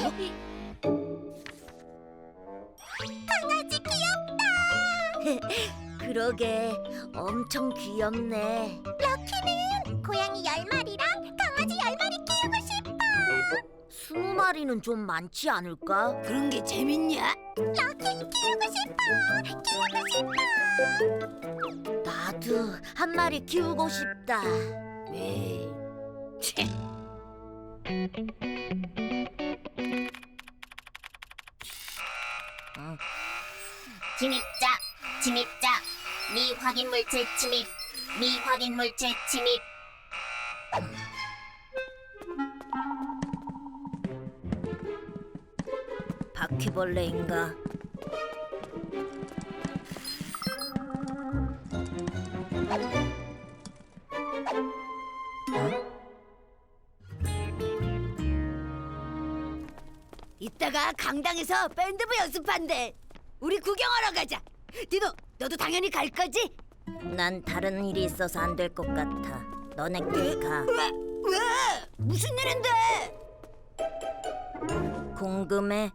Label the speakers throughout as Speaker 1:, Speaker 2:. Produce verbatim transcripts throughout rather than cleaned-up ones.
Speaker 1: 강아지 귀엽다. 그러게, 엄청 귀엽네. 럭키는 고양이 열 마리랑 강아지 열 마리 키우고 싶어. 스무 마리는 좀 많지 않을까?
Speaker 2: 그런 게 재밌냐?
Speaker 1: 럭키 키우고 싶어. 키우고 싶어. 나도 한 마리 키우고 싶다.
Speaker 2: 에이, 채.
Speaker 3: 침입자, 침입자, 미확인 물질 침입, 미확인 물질 침입.
Speaker 1: 바퀴벌레인가?
Speaker 2: 이따가 강당에서 밴드부 연습한대. 우리 구경하러 가자. 디노, 너도 당연히 갈 거지?
Speaker 1: 난 다른 일이 있어서 안 될 것 같아. 너네끼리 가.
Speaker 2: 왜? 왜? 무슨 일인데?
Speaker 1: 궁금해.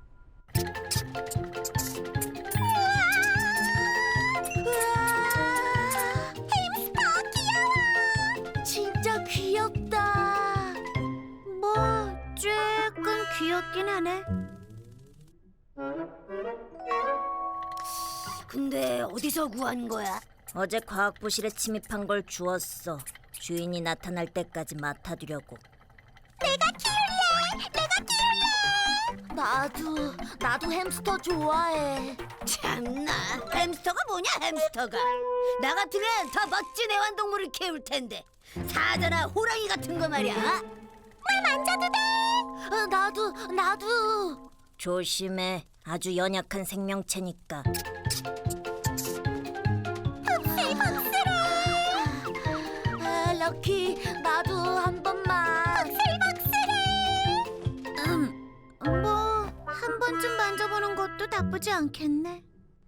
Speaker 1: 햄스터 귀여워. 진짜 귀엽다. 뭐 조금 귀엽긴 하네.
Speaker 2: 근데 어디서 구한 거야?
Speaker 1: 어제 과학부실에 침입한 걸 주웠어. 주인이 나타날 때까지 맡아두려고. 내가 키울래. 내가 키울래. 나도 나도 햄스터 좋아해.
Speaker 2: 참나, 햄스터가 뭐냐 햄스터가. 나 같으면 더 멋진 애완동물을 키울 텐데. 사자나 호랑이 같은 거 말이야.
Speaker 1: 물 만져도 돼. 어, 나도 나도. 조심해. 아주 연약한 생명체니까. 아, 럭키, 나도 한 번만. 복슬복슬해. 음, 뭐 한 번쯤 만져보는 것도 나쁘지 않겠네.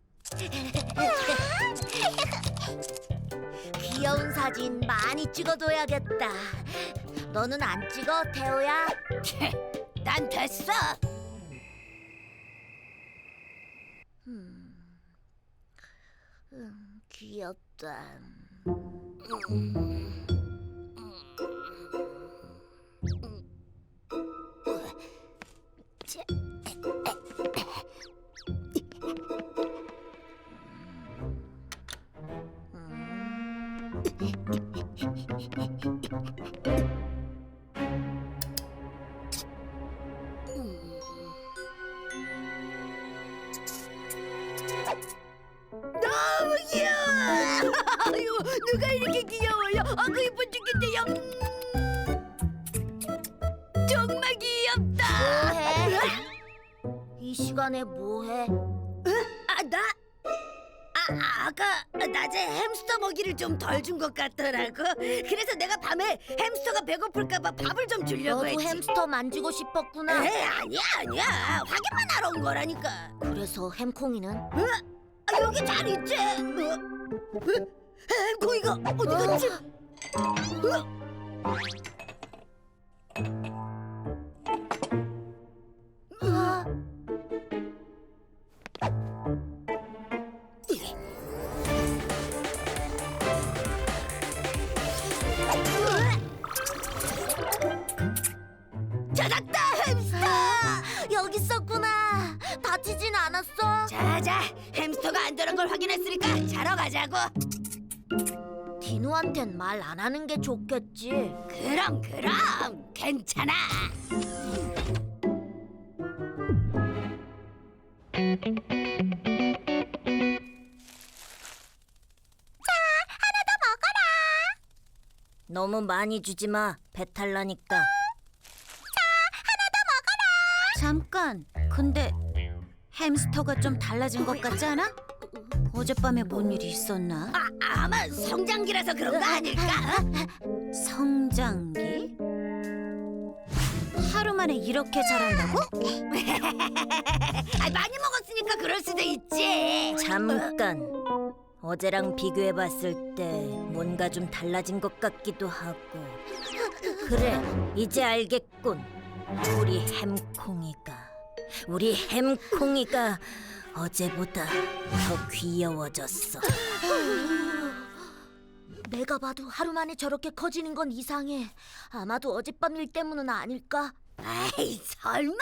Speaker 1: 귀여운 사진 많이 찍어둬야겠다. 너는 안 찍어, 태호야?
Speaker 2: 난 됐어.
Speaker 1: 음, 음, 귀엽다.
Speaker 2: 너무 귀여워. 아유, 누가 이렇게 귀여워요? 아그 이뻐 죽겠대요. 음. 정말 귀엽다.
Speaker 1: 뭐해? 이 시간에 뭐해?
Speaker 2: 아, 나? 아, 아까 낮에 햄스터 먹이를 좀 덜 준 것 같더라고. 그래서 내가 밤에 햄스터가 배고플까봐 밥을 좀 주려고
Speaker 1: 너도
Speaker 2: 했지.
Speaker 1: 햄스터 만지고 싶었구나.
Speaker 2: 에이, 아니야, 아니야. 확인만 하러 온 거라니까.
Speaker 1: 그래서 햄콩이는?
Speaker 2: 어? 아, 여기 잘 있지? 어? 어? 햄콩이가 어디 갔지? 어?
Speaker 1: 아,
Speaker 2: 찾았다, 햄스터!
Speaker 1: 여기 있었구나. 다치진 않았어?
Speaker 2: 자자, 햄스터가 안전한 걸 확인했으니까 자러 가자고.
Speaker 1: 디노한텐 말 안 하는 게 좋겠지.
Speaker 2: 그럼 그럼 괜찮아.
Speaker 1: 너무 많이 주지 마. 배탈 나니까.
Speaker 4: 잠깐. 근데 햄스터가 좀 달라진 것 같지 않아? 어젯밤에 뭔 일이 있었나?
Speaker 2: 아, 아마 성장기라서 그런 거 아닐까? 어?
Speaker 4: 성장기? 하루 만에 이렇게 자란다고?
Speaker 2: 아, 많이 먹었으니까 그럴 수도 있지.
Speaker 1: 잠깐. 어제랑 비교해봤을 때 뭔가 좀 달라진 것 같기도 하고. 그래, 이제 알겠군. 우리 햄콩이가 우리 햄콩이가 어제보다 더 귀여워졌어. 내가 봐도 하루 만에 저렇게 커지는 건 이상해. 아마도 어젯밤 일 때문은 아닐까?
Speaker 2: 아이 설마.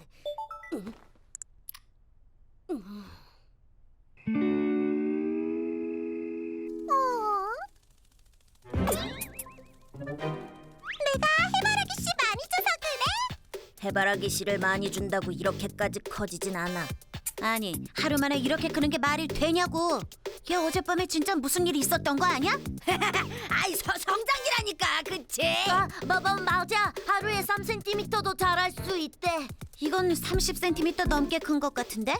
Speaker 1: 해바라기 씨 많이 줘서 그래? 해바라기 씨를 많이 준다고 이렇게까지 커지진 않아.
Speaker 4: 아니, 하루 만에 이렇게 크는 게 말이 되냐고. 걔 어젯밤에 진짜 무슨 일이 있었던 거 아니야?
Speaker 2: 아이 서, 성장이라니까 그치?
Speaker 1: 아, 뭐, 뭐, 맞아. 하루에 삼 센티미터도 자랄 수 있대.
Speaker 4: 이건 삼십 센티미터 넘게 큰 것 같은데?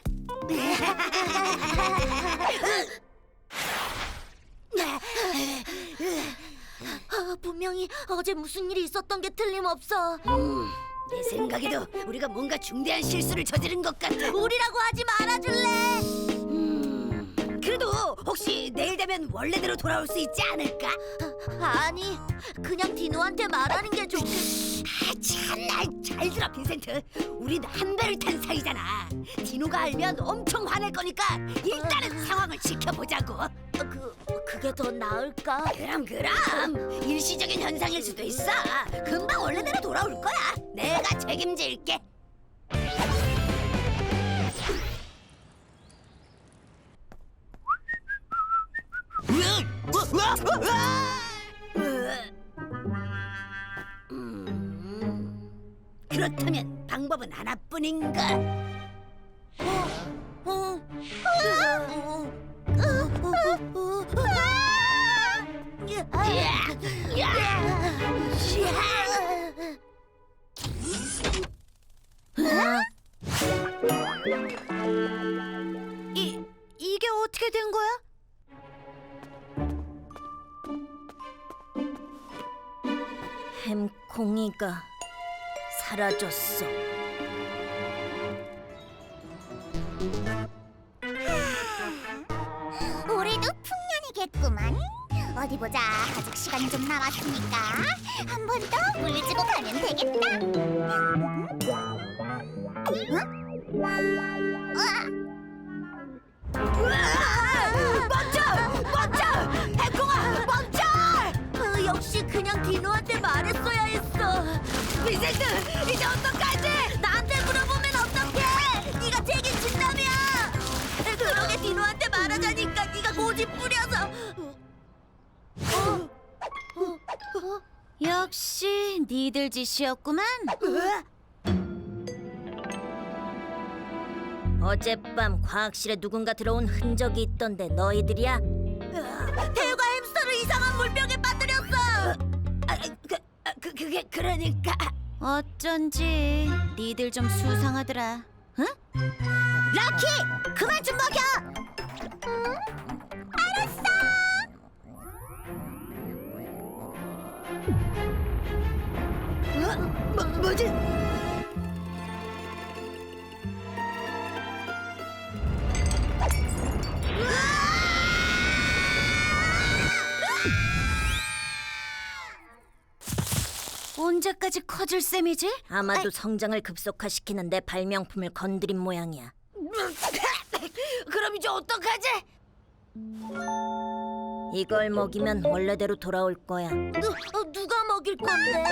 Speaker 1: 아, 분명히 어제 무슨 일이 있었던 게 틀림없어.
Speaker 2: 음, 내 생각에도 우리가 뭔가 중대한 실수를 저지른 것 같아.
Speaker 1: 우리라고 하지 말아줄래?
Speaker 2: 음, 그래도 혹시 내일 되면 원래대로 돌아올 수 있지 않을까?
Speaker 1: 아니, 그냥 디노한테 말하는 게 좋겠...
Speaker 2: 아, 참나 잘 들어 빈센트. 우린 한 배를 탄 사이잖아. 디노가 알면 엄청 화낼 거니까 일단은 상황을 지켜보자고.
Speaker 1: 어, 그, 그게 더 나을까?
Speaker 2: 그럼 그럼 일시적인 현상일 수도 있어. 금방 원래대로 돌아올 거야. 내가 책임질게. 음, 그렇다면 방법은 하나뿐인가?
Speaker 1: 어, 어,
Speaker 4: 이, 이게 어떻게 된 거야?
Speaker 1: 햄콩이가 사라졌어.
Speaker 3: 올해도 풍년이겠구만. 어디 보자. 아직 시간이 좀 남았으니까 한 번 더 물 주고 가면 되겠다.
Speaker 2: 멈춰! 멈춰! 햄콩아 멈춰!
Speaker 1: 어, 역시 그냥 디노한테 말했어야 했어.
Speaker 2: 빈센트 이제 어떡하지?
Speaker 1: 나한테 물어보면 어떡해? 네가 책임진다며. 그러게 디노한테 말하자니까 네가 고집 부려서. 어? 어? 어?
Speaker 4: 역시 니들 짓이었구만.
Speaker 1: 어젯밤 과학실에 누군가 들어온 흔적이 있던데 너희들이야? 태우가 햄스터를 이상한 물병에 빠뜨렸어.
Speaker 2: 아, 그, 아, 그 그게 그러니까
Speaker 4: 어쩐지 니들 좀 수상하더라. 응? 럭키! 그만 좀 먹여!
Speaker 2: 어? 뭐, 뭐지?
Speaker 4: 언제까지 커질 셈이지?
Speaker 1: 아마도 성장을 급속화시키는 내 발명품을 건드린 모양이야.
Speaker 2: 그럼 이제 어떡하지?
Speaker 1: 이걸 먹이면 원래대로 돌아올 거야. 누, 어, 누가 먹일 건데?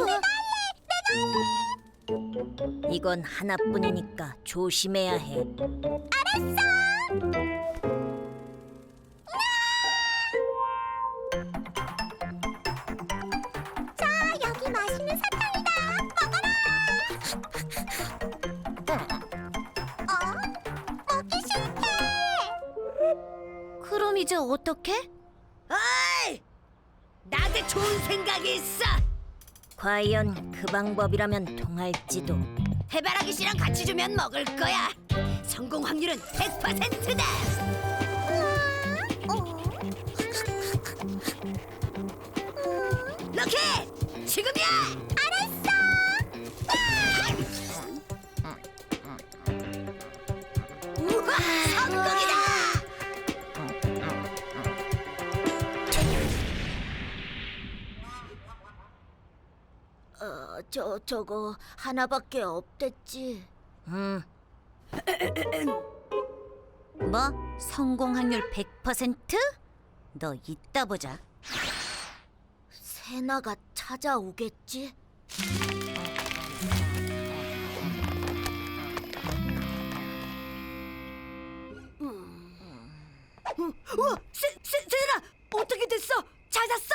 Speaker 1: 이건 하나뿐이니까 조심해야 해.
Speaker 3: 여기 맛있는 사탕이다. 먹어라. 어? 먹기 싫대.
Speaker 4: 그럼 이제 어떡해?
Speaker 2: 어이! 나한테 좋은 생각이 있어.
Speaker 1: 과연 그 방법이라면 통할지도.
Speaker 2: 해바라기 씨랑 같이 주면 먹을 거야. 성공 확률은 백 퍼센트다. 럭키! 지금이야!
Speaker 3: 알았어.
Speaker 2: 우와! 성공이다!
Speaker 1: 어, 저 저거 하나밖에 없댔지. 응.
Speaker 4: 뭐? 성공 확률 백 퍼센트? 너 이따 보자.
Speaker 1: 세나가 찾아오겠지?
Speaker 2: 우와, 세, 세, 세나 어떻게 됐어? 찾았어?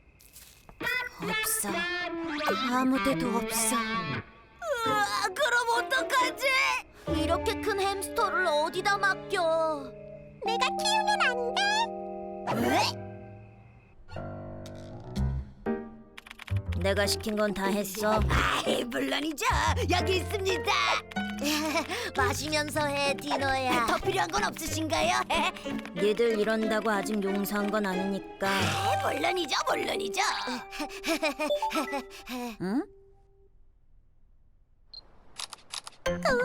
Speaker 4: 없어. 아무데도 없어.
Speaker 2: 으아, 그럼 어떡하지?
Speaker 1: 이렇게 큰 햄스터를 어디다 맡겨?
Speaker 3: 내가 키우면 안 돼?
Speaker 1: 내가 시킨 건 다 했어.
Speaker 2: 아이, 물론이죠. 여기 있습니다.
Speaker 1: 마시면서 해, 디너야.
Speaker 2: 더 필요한 건 없으신가요?
Speaker 1: 니들 이런다고 아직 용서한 건 아니니까.
Speaker 2: 물론이죠, 물론이죠.
Speaker 4: 응?
Speaker 3: 우와,